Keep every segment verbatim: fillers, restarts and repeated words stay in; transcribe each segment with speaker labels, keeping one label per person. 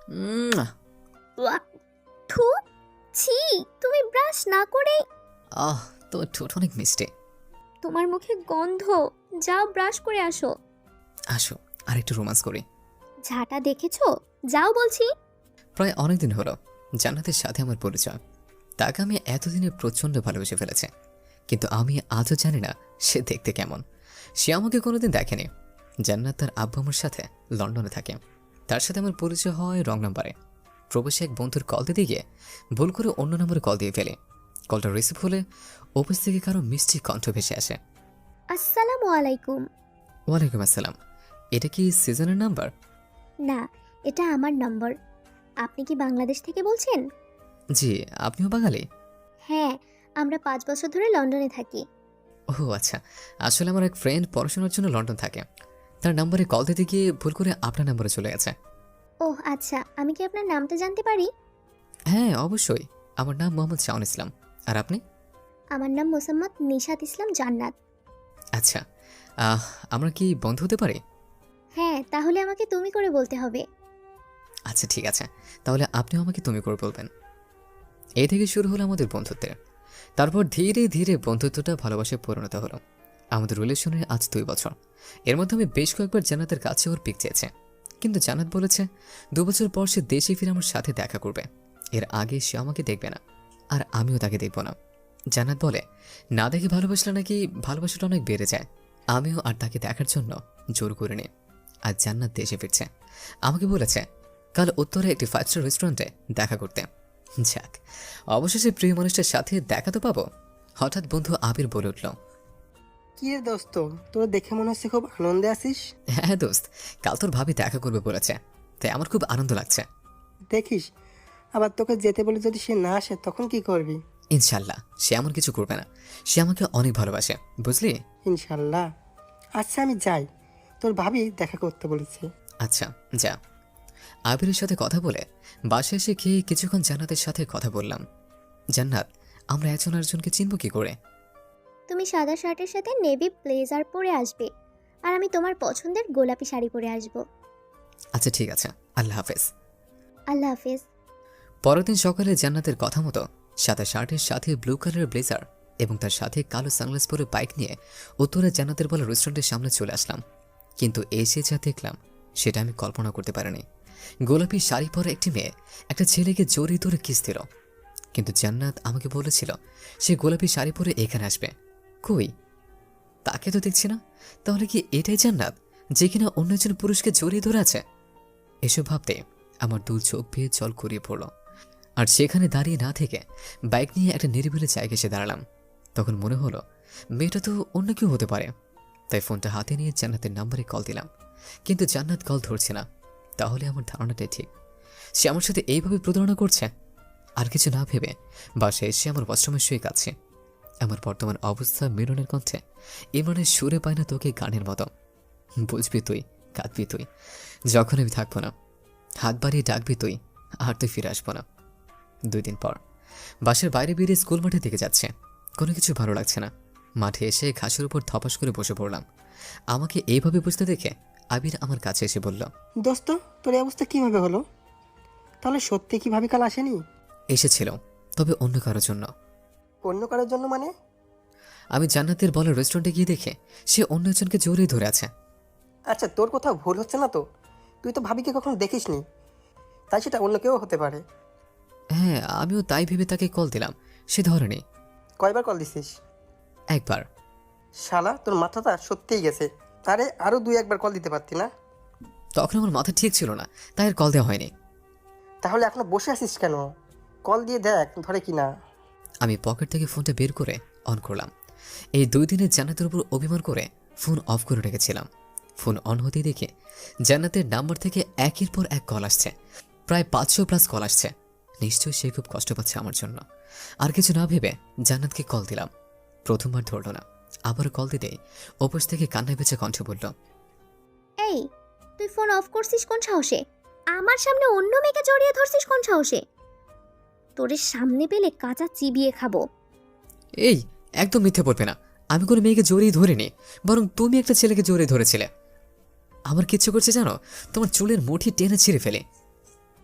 Speaker 1: উম,
Speaker 2: walk! থু! ছি! তুমি ব্রাশ না করে।
Speaker 1: আহ তোমার ঠোঁট অনেক মিষ্টি।
Speaker 2: তোমার মুখে গন্ধ। যাও ব্রাশ করে আসো।
Speaker 1: আসো আর একটু রোমান্স করি।
Speaker 2: ঝাঁটা দেখেছো? যাও বলছি।
Speaker 1: প্রায় অনেকদিন হলো জান্নাতের সাথে আমার পরিচয়। তাকে আমি এতদিনে প্রচণ্ড ভালোবেসে ফেলেছে, কিন্তু আমি আজও জানি না সে দেখতে কেমন। সে আমাকে কোনোদিন দেখেনি। জান্নাত তার আব্বু আমার সাথে লন্ডনে থাকে। তার সাথে আমার পরিচয় হয় রং নাম্বারে। প্রবেশে এক বন্ধুর কল দিতে গিয়ে ভুল করে অন্য নম্বরে কল দিয়ে ফেলি। কলটা রিসিভ হলে অফিস থেকে কারো মিষ্টি কণ্ঠ ভেসে আসে।
Speaker 2: আসসালামু আলাইকুম।
Speaker 1: ওয়ালাইকুম আসসালাম। এটা কি সিজনের নাম্বার?
Speaker 2: না, এটা আমার নম্বর। আপনি কি বাংলাদেশ থেকে বলছেন?
Speaker 1: জি। আপনিও বাঙালি?
Speaker 2: হ্যাঁ, আমরা পাঁচ বছর ধরে লন্ডনে থাকি।
Speaker 1: ও আচ্ছা। আসলে আমার এক ফ্রেন্ড পড়াশোনার জন্য লন্ডন থাকে। তার নাম্বারে কল দিতে গিয়ে ভুল করে আপনার নাম্বারে চলে গেছে।
Speaker 2: ওহ আচ্ছা, আমি কি আপনার নামটা জানতে পারি?
Speaker 1: হ্যাঁ অবশ্যই। আমার নাম মোহাম্মদ শাওন ইসলাম। আর আপনি?
Speaker 2: আমার নাম মোসাম্মদ নিশাত ইসলাম জান্নাত।
Speaker 1: আচ্ছা। আহ, আমরা কি বন্ধু হতে পারি?
Speaker 2: হ্যাঁ, তাহলে আমাকে তুমি করে বলতে হবে।
Speaker 1: আচ্ছা ঠিক আছে, তাহলে আপনিও আমাকে তুমি করে বলবেন। এই থেকে শুরু হলো আমাদের বন্ধুত্বের। তারপর ধীরে ধীরে বন্ধুত্বটা ভালোবাসায় পরিণত হলো। আমাদের রিলেশনের আজ দুই বছর। এর মধ্যে আমি বেশ কয়েকবার জান্নাতের কাছে ওর পিক চেয়েছে, কিন্তু জান্নাত বলেছে দু বছর পর সে দেশে ফিরে আমার সাথে দেখা করবে। এর আগে সে আমাকে দেখবে না, আর আমিও তাকে দেখব না। জান্নাত বলে না দেখে ভালোবাসলে নাকি ভালোবাসাটা অনেক বেড়ে যায়। আমিও আর তাকে দেখার জন্য জোর করে নিই। আজ জান্নাত দেশে ফিরছে। আমাকে বলেছে কাল উত্তরে একটি ফাইভ স্টার রেস্টুরেন্টে দেখা করতে। যাক, অবশেষে প্রিয় মানুষটার সাথে দেখা তো পাবো। হঠাৎ বন্ধু আবির বলে উঠল,
Speaker 3: কি রে দোস্ত, তোর দেখে মনে হচ্ছে খুব আনন্দে আছিস।
Speaker 1: হ্যাঁ দোস্ত, কাল তোর ভাবি দেখা করবে বলেছে, তাই আমার খুব আনন্দ লাগছে।
Speaker 3: দেখিস, আবার তোকে যেতে বলে যদি সে না আসে তখন কি করবি?
Speaker 1: ইনশাল্লাহ সে এমন কিছু করবে না। সে আমাকে অনেক ভালোবাসে, বুঝলি?
Speaker 3: ইনশাল্লাহ। আচ্ছা আমি যাই, তোর ভাবি দেখা করতে বলেছে।
Speaker 1: আচ্ছা যা। আবিরের সাথে কথা বলে বাসায় এসে খেয়ে কিছুক্ষণ জান্নাতের সাথে কথা বললাম। জান্নাত, আমরা একজন আরেকজনকে চিনব কি করে?
Speaker 2: তুমি সাদা শার্টের সাথে নেভি ব্লেজার পরে আসবে, আর আমি তোমার পছন্দের গোলাপি শাড়ি পরে আসব।
Speaker 1: আচ্ছা ঠিক আছে, আল্লাহ হাফেজ।
Speaker 2: আল্লাহ হাফেজ।
Speaker 1: পরের দিন সকালে জান্নাতের কথা মতো সাদা শার্টের সাথে ব্লু কালারের ব্লেজার এবং তার সাথে কালো সানগ্লাস পরে বাইক নিয়ে উত্তরে জান্নাতের বলা রেস্টুরেন্টের সামনে চলে আসলাম। কিন্তু এসে যা দেখলাম সেটা আমি কল্পনা করতে পারিনি। গোলাপি শাড়ি পরা একটি মেয়ে একটা ছেলেকে জড়িয়ে ধরে কিস দিল। কিন্তু জান্নাত আমাকে বলেছিল সে গোলাপি শাড়ি পরে এখানে আসবে। কই, তাকে তো দেখছি না। তাহলে কি এটাই জান্নাত যে কিনা অন্য একজন পুরুষকে জড়িয়ে ধরে আছে? এসব ভাবতে আমার দু চোখ বেয়ে জল গড়িয়ে পড়ল। আর সেখানে দাঁড়িয়ে না থেকে বাইক নিয়ে একটা নিরিবিলি জায়গায় এসে দাঁড়ালাম। তখন মনে হলো মেয়েটা তো অন্য কেউ হতে পারে। তাই ফোনটা হাতে নিয়ে জান্নাতের নাম্বারে কল দিলাম, কিন্তু জান্নাত কল ধরছে না। তাহলে আমার ধারণাটাই ঠিক, সে আমার সাথে এইভাবে প্রতারণা করছে। আর কিছু না ভেবে বাসায় এসে আমার ওয়াশরুমে শুয়ে কাছে। আমার বর্তমান অবস্থা মিলনের কণ্ঠে ইমরানের সুরে পায় না তোকে গানের মতো। বুঝবি তুই, কাঁদবি তুই, যখন আমি থাকবো না। হাত বাড়িয়ে ডাকবি তুই, আর তুই ফিরে আসবো না। দুই দিন পর বাসের বাইরে বেরিয়ে স্কুল মাঠে দিকে যাচ্ছে। কোনো কিছু ভালো লাগছে না। মাঠে এসে ঘাসের উপর ধপাস করে বসে পড়লাম। আমাকে এইভাবে বুঝতে দেখে আবির আমার কাছে এসে বলল,
Speaker 3: দোস্ত, তোর এই অবস্থা কিভাবে হলো? তাহলে সত্যি কি ভাবি কাল আসেনি?
Speaker 1: এসেছিল, তবে অন্য কারোর জন্য।
Speaker 3: অন্য কারোর জন্য মানে?
Speaker 1: আমি জান্নাতের বলা রেস্টুরেন্টে গিয়ে দেখে সে অন্য একজনকে জড়িয়ে ধরে আছে।
Speaker 3: আচ্ছা, তোর কোথাও ভুল হচ্ছে না তো? তুই তো ভাবিকে কখনো দেখিসনি, তাই সেটা অন্য কেউ হতে পারে।
Speaker 1: হ্যাঁ, আমিও তাই ভেবে তাকে কল দিলাম, সে ধরেনি।
Speaker 3: কয়বার কল দিছিস?
Speaker 1: একবার।
Speaker 3: শালা, তোর মাথাটা সত্যিই গেছে। আরে আরও দুই একবার কল দিতে পারতি না?
Speaker 1: তখন আমার মাথা ঠিক ছিল না, তাই আর কল দেওয়া হয়নি।
Speaker 3: তাহলে এখনো বসে আছিস কেন? কল দিয়ে দেখ ধরে কি না।
Speaker 1: আমি পকেট থেকে ফোনটা বের করে অন করলাম। এই দুই দিনে জান্নাতের উপর অভিমান করে ফোন অফ করে রেখেছিলাম। ফোন অন হতেই দেখে জান্নাতের নাম্বার থেকে একের পর এক কল আসছে। প্রায় পাঁচশো প্লাস কল আসছে। নিশ্চয়ই সে খুব কষ্ট পাচ্ছে আমার জন্য। আর কিছু না ভেবে জান্নাতকে কল দিলাম। প্রথমবার ধরল না। আবার কল দিতেই ওপাশ থেকে কান্নায় বেঁচে কণ্ঠ বলল,
Speaker 2: এই, তুই ফোন অফ করছিস কোন সাহসে? আমার সামনে অন্য মেয়েকে জড়িয়ে ধরছিস কোন সাহসে? তোরে সামনে পেলে কাঁচা চিবিয়ে খাবো।
Speaker 1: এই একদম মিথ্যে বলবে না। আমি কোনো মেয়েকে জড়িয়ে ধরিনি, বরং তুমি একটা ছেলেকে জড়িয়ে ধরেছিলে। আমার কিচ্ছু করছে জানো, তোমার চুলের মুঠি টেনে ছিঁড়ে ফেলে।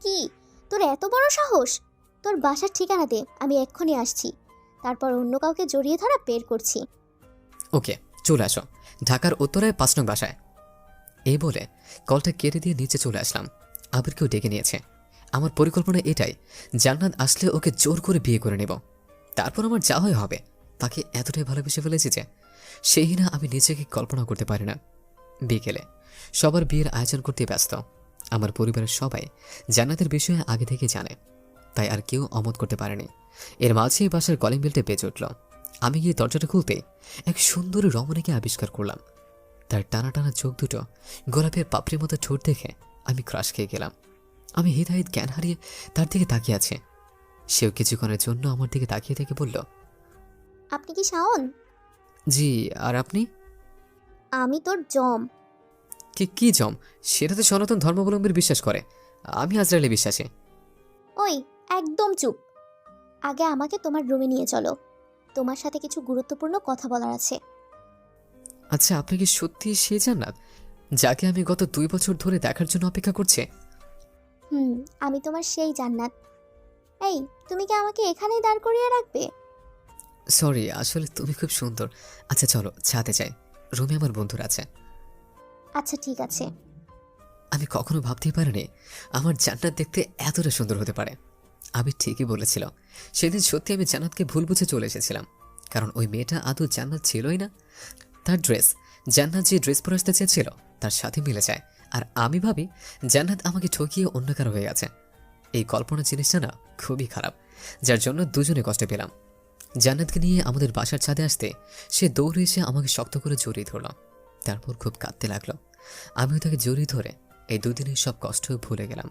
Speaker 2: কি তোর এত বড় সাহস? তোর বাসার ঠিকানা দে, আমি এক্ষুনি আসছি। তারপর অন্য কাউকে জড়িয়ে ধরা বের করছি।
Speaker 1: ওকে, চলে আসো ঢাকার উত্তরায় পাঁচ নং বাসায়। এই বলে কলটা কেটে দিয়ে নিচে চলে আসলাম। আবিরকেও ডেকে নিয়েছে। আমার পরিকল্পনা এটাই, জান্নাত আসলে ওকে জোর করে বিয়ে করে নেব। তারপর আমার যা হয় হবে। তাকে এতটাই ভালোবেসে ফেলেছি যে সেই না আমি নিজেকে কল্পনা করতে পারি না। বিকেলে সবার বিয়ের আয়োজন করতে ব্যস্ত। আমার পরিবারের সবাই জান্নাতের বিষয়ে আগে থেকে জানে, তাই আর কেউ অমত করতে পারেনি। এর মাঝেই বাসার কলিং বেলটা বেজে উঠল। আমি গিয়ে দরজাটা খুলতে এক সুন্দর রমণীকে আবিষ্কার করলাম। তার টানা টানা চোখ দুটো গোলাপের পাপড়ির মতো ঠোঁট দেখে আমি ক্রাশ খেয়ে গেলাম। আমি হিতাহিত জ্ঞান হারিয়ে তার দিকে তাকিয়ে আছে। সেও কিছুক্ষণের জন্য আমার দিকে তাকিয়ে থেকে বলল,
Speaker 2: আপনি কি শাওন?
Speaker 1: জি, আর আপনি?
Speaker 2: আমি তোর জম।
Speaker 1: কি কি জম? সেটা তো সনাতন ধর্মাবলম্বীর বিশ্বাস করে, আমি আজরাইলে বিশ্বাসী।
Speaker 2: ওই একদম চুপ। আগে আমাকে তোমার রুমে নিয়ে চলো, তোমার সাথে কিছু গুরুত্বপূর্ণ কথা বলার আছে।
Speaker 1: আচ্ছা, আপনি কি সত্যি সে জান্নাত যাকে আমি গত দুই বছর ধরে দেখার জন্য অপেক্ষা করছি?
Speaker 2: হুম, আমি তোমার সেই জান্নাত। এই, তুমি কি আমাকে এখানেই দাঁড় করিয়ে রাখবে?
Speaker 1: সরি, আসলে তুমি খুব সুন্দর। আচ্ছা চলো ছাদে যাই, রুমে আমার বন্ধুরা আছে।
Speaker 2: আচ্ছা ঠিক আছে।
Speaker 1: আমি কখনো ভাবতেই পারিনি আমার জান্নাত দেখতে এতটা সুন্দর হতে পারে। আমি ঠিকই বলেছিল, সেদিন সত্যি আমি জান্নাতকে ভুল বুঝে চলে এসেছিলাম। কারণ ওই মেয়েটা আদৌ জান্নাত ছিলই না। তার ড্রেস, জান্নাত যে ড্রেস পরে আসতে চেয়েছিল তার সাথে মিলে যায়। আর আমি ভাবি জান্নাত আমাকে ঠকিয়ে অন্য কারো হয়ে গেছে। এই কল্পনা জিনিসটা না খুবই খারাপ, যার জন্য দুজনে কষ্ট পেলাম। জান্নাতকে নিয়ে আমাদের বাসার ছাদে আসতে সে দৌড়ে এসে আমাকে শক্ত করে জড়িয়ে ধরল। তারপর খুব কাঁদতে লাগলো। আমিও তাকে জড়িয়ে ধরে এই দুদিনের সব কষ্ট ভুলে গেলাম।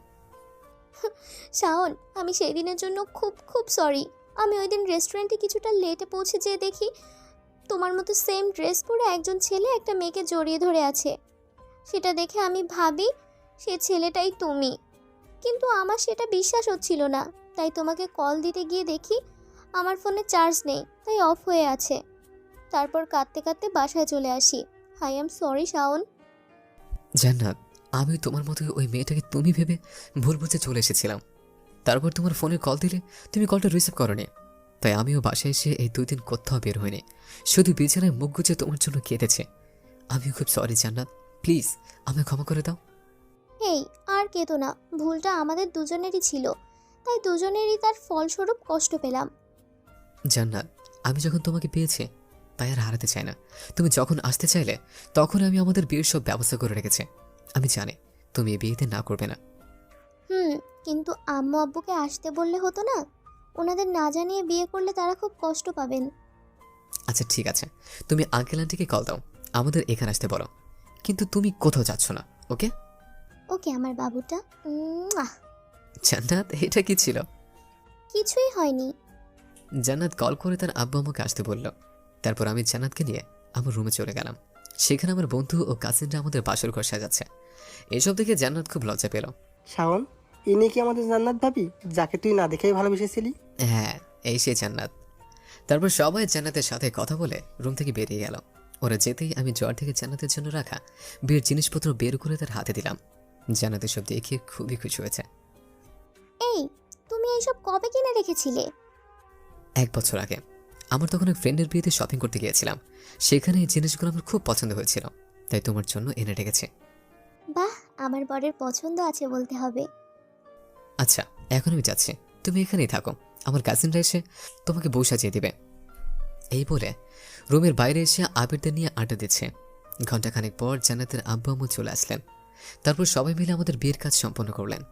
Speaker 2: শাওন, আমি সেই দিনের জন্য খুব খুব সরি। আমি ওই দিন রেস্টুরেন্টে কিছুটা লেটে পৌঁছে যেয়ে দেখি তোমার মতো সেম ড্রেস পরে একজন ছেলে একটা মেয়েকে জড়িয়ে ধরে আছে। সেটা দেখে আমি ভাবি সে ছেলেটাই তুমি, কিন্তু আমার সেটা বিশ্বাস হচ্ছিল না। তাই তোমাকে কল দিতে গিয়ে দেখি আমার ফোনে চার্জ নেই, তাই অফ হয়ে আছে। তারপর কাঁদতে কাঁদতে বাসায় চলে আসি। I am sorry Shaon.
Speaker 1: Jannat, আমি তোমার মতো ওই মেয়েটাকে তুমি ভেবে ভুল বুঝে চলে এসেছিলাম। তারপর তোমার ফোনে কল দিলে তুমি কলটা রিসিভ করনি, তাই আমিও বাসায় এসে এই দুই দিন কোথাও বের হইনি, শুধু বিছানায় মুখ গুজে তোমার জন্য কেঁদেছে। আমিও খুব সরি জান্নাত, প্লিজ আমায় ক্ষমা করে দাও।
Speaker 2: এই আর কেঁদো না, ভুলটা আমাদের দুজনেরই ছিল, তাই দুজনেরই তার ফলস্বরূপ কষ্ট পেলাম।
Speaker 1: জান্নাত, আমি যখন তোমাকে পেয়েছি তাই আর হারাতে চাই না। তুমি যখন আসতে চাইলে তখন আমি আমাদের বিয়ের সব ব্যবস্থা করে রেখেছি। আমি জানি তুমি এই বিয়েতে না করবে না।
Speaker 2: হুম, কিন্তু আম্মু আব্বুকে আসতে বললে হতো না? ওনাদের না জানিয়ে বিয়ে করলে তারা খুব কষ্ট পাবেন।
Speaker 1: আচ্ছা ঠিক আছে, তুমি আঙ্কেল আন্টিকে কল দাও, আমাদের এখানে আসতে বলো। কিন্তু তুমি কোথাও যাচ্ছ না, ওকে?
Speaker 2: ওকে আমার বাবুটা। উম্মুয়া।
Speaker 1: জান্নাত, এটা কি ছিল?
Speaker 2: কিছুই হয়নি।
Speaker 1: জান্নাত কল করে তার আব্বু আমাকে আসতে বলল। তারপর আমি জান্নাতকে নিয়ে আমার রুমে চলে গেলাম। সেখানে আমার বন্ধু ও কাজিনরা আমাদের বাসর ঘর সাজাচ্ছে। এসব দেখে জান্নাত খুব লজ্জা পেল।
Speaker 3: শাওন, ইনি কি আমাদের জান্নাত ভাবি, যাকে তুই না দেখেই ভালোবেসেছিলি?
Speaker 1: হ্যাঁ, এই সে জান্নাত। তারপর সবাই জান্নাতের সাথে কথা বলে রুম থেকে বেরিয়ে গেল। ওরা যেতেই আমি জ্বর থেকে জান্নাতের জন্য রাখা বিয়ের জিনিসপত্র বের করে তার হাতে দিলাম। জান্নাত সব দেখে খুবই খুশি হয়েছে।
Speaker 2: এই, তুমি এইসব কবে কিনে রেখেছিলে?
Speaker 1: এক বছর আগে আমার তখন এক ফ্রেন্ডের বিয়েতে শপিং করতে গিয়েছিলাম। সেখানে এই জিনিসগুলো আমার খুব পছন্দ হয়েছিল, তাই তোমার জন্য এনে রেখেছি।
Speaker 2: বাহ, আমার বরের পছন্দ আছে বলতে হবে।
Speaker 1: আচ্ছা, এখন আমি যাচ্ছি, তুমি এখানেই থাকো, আমার কাজিনরা এসে তোমাকে বউ সাজিয়ে দিবে। এই বলে রুমের বাইরে এসে আবিরদের নিয়ে আড্ডা দিচ্ছে। ঘণ্টাখানেক পর জান্নাতের আব্বু আম্মু চলে আসলেন। তারপর সবাই মিলে আমাদের বিয়ের কাজ সম্পন্ন করলেন।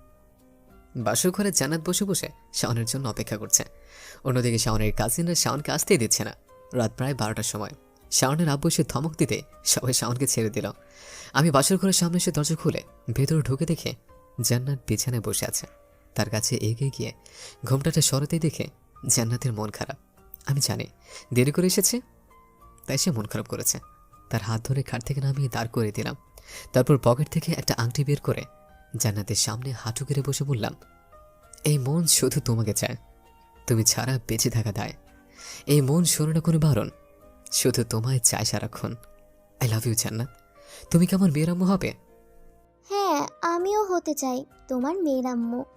Speaker 1: বাসর ঘরে জান্নাত বসে বসে শাওনের জন্য অপেক্ষা করছে। অন্যদিকে শাওনের কাজিনরা শাওনকে আসতেই দিচ্ছে না। রাত প্রায় বারোটার সময় শাওনের আব্বু এসে ধমক দিতে সবাই শাওনকে ছেড়ে দিল। আমি বাসর ঘরের সামনে এসে দরজা খুলে ভেতরে ঢুকে দেখে জান্নাত বিছানায় বসে আছে। তার কাছে এগিয়ে গিয়ে ঘোমটাটা সরাতেই দেখে জান্নাতের মন খারাপ। আমি জানি দেরি করে এসেছে, তাই সে মন খারাপ করেছে। তার হাত ধরে খাট থেকে নামিয়ে দাঁড় করে দিলাম। তারপর পকেট থেকে একটা আংটি বের করে জান্নাতের সামনে হাঁটু গেড়ে বসে বললাম, এই মন শুধু তোমাকে চায়, তুমি ছাড়া বেঁচে থাকা দায়। এই মন শোনো না কোনো বারণ, শুধু তোমায় চায় সারাক্ষণ। আই লাভ ইউ জান্নাত, তুমি কি আমার মেয়ের আম্মু হবে?
Speaker 2: হ্যাঁ, আমিও হতে চাই তোমার মেয়ের আম্মু।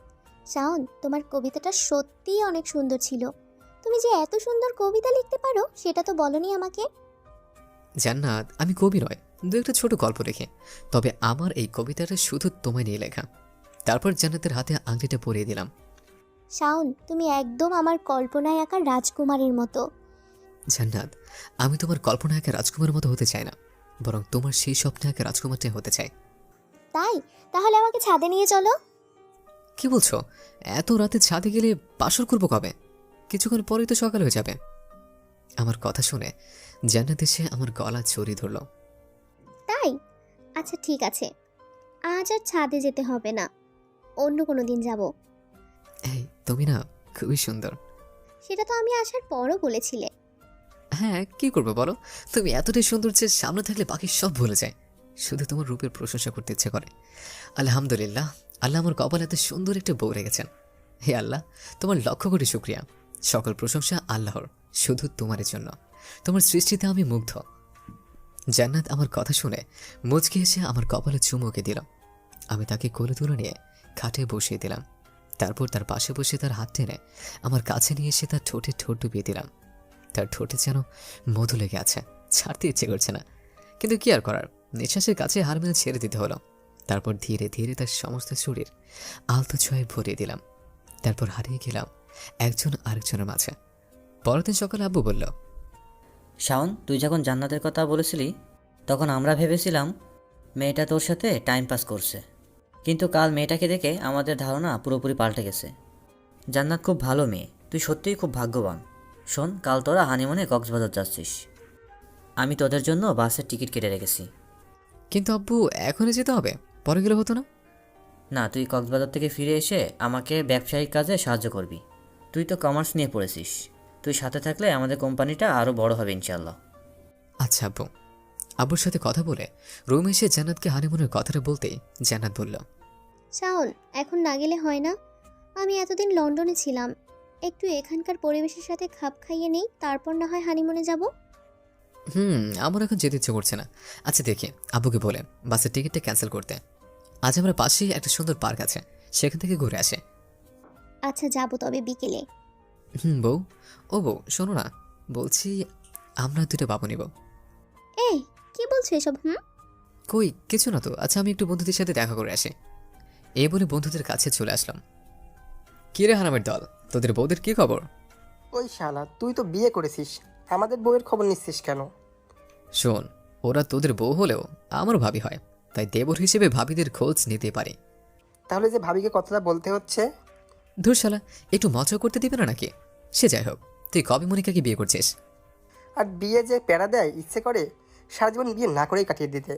Speaker 2: শাওন, তোমার কবিতাটা সত্যিই অনেক সুন্দর ছিল। তুমি যে এত সুন্দর কবিতা লিখতে পারো সেটা তো বলনি আমাকে।
Speaker 1: জান্নাত, আমি কবি নয়, দু একটা ছোট গল্প লিখি, তবে আমার এই কবিতাটা শুধু তোমায় নিয়ে লেখা। তারপর জান্নাতের হাতে আংটিটা পরিয়ে দিলাম।
Speaker 2: শাওন, তুমি একদম আমার কল্পনায় আঁকা রাজকুমারীর মতো।
Speaker 1: জান্নাত, আমি তোমার কল্পনা একা রাজকুমারের মতো হতে চাই না, বরং তোমার সেই স্বপ্নে একা রাজকুমারটাই হতে চাই।
Speaker 2: তাই? তাহলে আমাকে ছাদে নিয়ে চলো।
Speaker 1: কি বলছো? এত রাতে ছাদে গেলে বাসর করবো কবে? কিছুক্ষণ পরেই তো সকাল হয়ে যাবে। আমার কথা শুনে জান্নাত এসে আমার গলা জড়িয়ে ধরল।
Speaker 2: তাই? আচ্ছা ঠিক আছে, আজ আর ছাদে যেতে হবে না, অন্য কোনো দিন যাব।
Speaker 1: এই, তুমি না খুবই সুন্দর।
Speaker 2: সেটা তো আমি আসার পরও বলেছিলে।
Speaker 1: হ্যাঁ, কি করবো বলো, তুমি এতটাই সুন্দর যে সামনে থাকলে বাকি সব ভুলে যায়, শুধু তোমার রূপের প্রশংসা করতে ইচ্ছে করে। আলহামদুলিল্লাহ, আল্লাহ আমার কপালে এত সুন্দর একটা বউ রেখেছেন। হে আল্লাহ, তোমার লক্ষ কোটি শুকরিয়া। সকল প্রশংসা আল্লাহর, শুধু তোমার জন্য। তোমার সৃষ্টিতে আমি মুগ্ধ। জান্নাত আমার কথা শুনে মুচকি এসে আমার কপালে চুমুকে দিল। আমি তাকে কোলে তুলে নিয়ে খাটে বসিয়ে দিলাম। তারপর তার পাশে বসে তার হাত টেনে আমার কাছে নিয়ে এসে তার ঠোঁটে ঠোঁট ডুবিয়ে দিলাম। তার ঠোঁটে যেন মধু লেগে আছে, ছাড়তে ইচ্ছে করছে না, কিন্তু কি আর করার, নিঃশ্বাসের কাছে হার মেনে ছেড়ে দিতে হলো। তারপর ধীরে ধীরে তার সমস্ত শরীর আলতো ছোঁয়ায় ভরিয়ে দিলাম। তারপর হারিয়ে গেলাম একজন আরেকজনের মাঝে। পরের দিন সকালে আব্বু বলল,
Speaker 4: শাওন, তুই যখন জান্নাতের কথা বলেছিলি তখন আমরা ভেবেছিলাম মেয়েটা তোর সাথে টাইম পাস করছে, কিন্তু কাল মেয়েটাকে দেখে আমাদের ধারণা পুরোপুরি পাল্টে গেছে। জান্নাত খুব ভালো মেয়ে, তুই সত্যিই খুব ভাগ্যবান। শোন, কাল তোরা হানিমুনে কক্সবাজার যাচ্ছিস, আমি তোদের জন্য বাসের টিকিট কেটে রেখেছি।
Speaker 1: কিন্তু আব্বু এখনই যেতে হবে, পরে গেলে হতো না?
Speaker 4: না, তুই কক্সবাজার থেকে ফিরে এসে আমাকে ব্যবসায়িক কাজে সাহায্য করবি। তুই তো কমার্স নিয়ে পড়েছিস, তুই সাথে থাকলে আমাদের কোম্পানিটা আরও বড় হবে ইনশাল্লাহ।
Speaker 1: আচ্ছা আব্বু। আব্বুর সাথে কথা বলে রুমে এসে জান্নাতকে হানিমুনের কথাটা বলতেই জান্নাত বলল,
Speaker 2: শাওন, এখন না গেলে হয় না? আমি এতদিন লন্ডনে ছিলাম, একটু এখানকার পরিবেশের সাথে খাপ খাইয়ে নেই, তারপর না হয় হানিমুনে যাব।
Speaker 1: হুম আমার এখন যেতে ইচ্ছে করছে না। আচ্ছা দেখি আব্বুকে বলে বাসের টিকিটটা ক্যান্সেল করতে। আজ আমরা পাশেই একটা সুন্দর পার্ক আছে, সেখান থেকে ঘুরে আসে।
Speaker 2: আচ্ছা যাব তবে বিকেলে।
Speaker 1: হুম বউ, ও বউ শোনো না, বলছি আমরা দুটো বাবু নিব।
Speaker 2: এই কি বলছো এসব? হুম
Speaker 1: কই কিছু না তো। আচ্ছা আমি একটু বন্ধুদের সাথে দেখা করে আসি। এই বলে বন্ধুদের কাছে চলে আসলাম। কি রে হারামের দল, তোদের বউদের কি খবর?
Speaker 3: ওই শালা, তুই তো বিয়ে করেছিস, আমাদের বউয়ের খবর নিচ্ছিস কেন?
Speaker 1: শোন, ওরা তোদের বউ হলেও আমার ভাবি হয়, তাই দেবর হিসেবে ভাবিদের খোঁজ নিতে পারে।
Speaker 3: তাহলে যে ভাবিকে কথাটা বলতে হচ্ছে?
Speaker 1: ধুর শালা, একটু মজা করতে দিবে না নাকি? সে যাই হোক, তুই কবে মনিকাকে বিয়ে করছিস?
Speaker 3: আর বিয়ে যে প্যারা দেয়, ইচ্ছে করে সারা জীবন বিয়ে না করেই কাটিয়ে দিতে।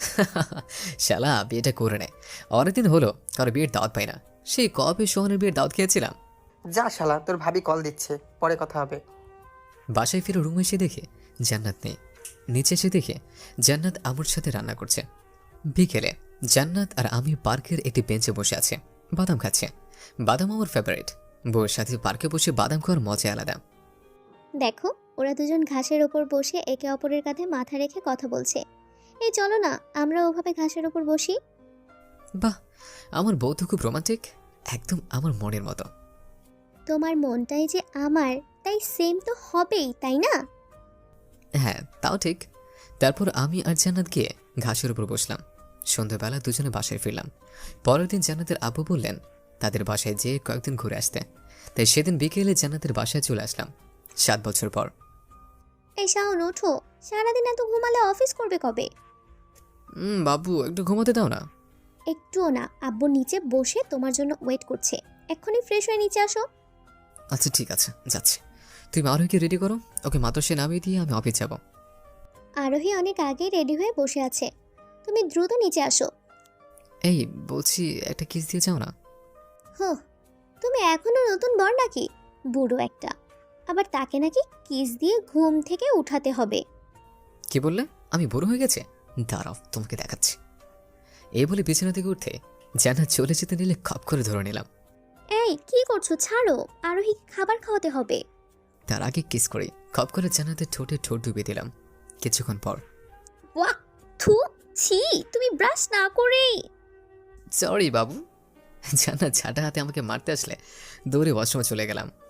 Speaker 1: শালা বিয়েটা করে নেয়, অনেকদিন হলো কারো বিয়ের দাওয়াত পাই না। সেই কবে সোহানের বিয়ের দাওয়াত খেয়েছিলাম।
Speaker 3: যা শালা, তোর ভাবি কল দিচ্ছে, পরে কথা হবে।
Speaker 1: বাসায় ফিরে রুমে এসে দেখে জান্নাত নেই। নিচে এসে দেখে জান্নাত আমুর সাথে রান্না করছে। বিকেলে জান্নাত আর আমি পার্কের একটি বেঞ্চে বসে আছে, বাদাম খাচ্ছে। বাদাম আমার ফেভারিট। বউয়ের সাথে পার্কে বসে বাদাম খাওয়ার মজা আলাদা।
Speaker 2: দেখো, ওরা দুজন ঘাসের ওপর বসে একে অপরের কাঁধে মাথা রেখে কথা বলছে। এই চলো না, আমরা ওভাবে ঘাসের ওপর বসি।
Speaker 1: বাহ, আমার বউ তো খুব রোমান্টিক, একদম আমার মনের মতো।
Speaker 2: তোমার মনটাই যে আমার, তাই সেম তো হবেই, তাই না?
Speaker 1: হ্যাঁ তাও ঠিক। তারপর আমি আর জান্নাত গিয়ে ঘাসের উপর বসলাম। সন্ধ্যাবেলা দুজনে বাসায় ফিরলাম। পরের দিন জান্নাতের আব্বু বললেন তাদের বাসায় যেয়ে কয়েকদিন ঘুরে আসতে, তাই সেদিন বিকেলে জান্নাতের বাসায় চলে আসলাম সাত বছর পর।
Speaker 2: এই শাওন, ওঠো, সারাদিন এত ঘুমালে অফিস করবে কবে?
Speaker 1: হুম বাবু, একটু ঘুমাতে দাও না।
Speaker 2: একটুও না, আব্বু নিচে বসে তোমার জন্য ওয়েট করছে, এক্ষুনি ফ্রেশ হয়ে নিচে আসো।
Speaker 1: আচ্ছা ঠিক আছে, যাচ্ছি। তুমি আরোহীকে রেডি করো, ওকে মাতসে নামিয়ে দিয়ে আমি অফিস যাব।
Speaker 2: আরোহী অনেক আগেই রেডি হয়ে বসে আছে, তুমি দ্রুত নিচে আসো।
Speaker 1: এই বলছি, একটা কিস দিয়ে যাও না।
Speaker 2: হো, তুমি এখনো নতুন বর নাকি? বুড়ো একটা, আবার তাকে নাকি কিস দিয়ে ঘুম থেকে উঠাতে হবে।
Speaker 1: কি বললে? আমি বড় হয়ে গেছে? দাঁড়াও তোমাকে দেখাচ্ছি। এই বলে বিছানা থেকে উঠতে জান্নাত চলে যেতে নিলে খপ করে ধরে নিলাম।
Speaker 2: এই কি করছো? ছাড়ো, আরোহীকে খাবার খাওয়াতে হবে।
Speaker 1: তার আগে কিস করে খপ করে জান্নাতের ঠোঁটে ঠোঁট ডুবিয়ে দিলাম। কিছুক্ষণ পর,
Speaker 2: ওয়াক, থু, ছি, তুমি ব্রাশ না করে।
Speaker 1: সরি বাবু। জান্নাত ঝাঁটা হাতে আমাকে মারতে আসলে দৌড়ে ওয়াশরুমে চলে গেলাম।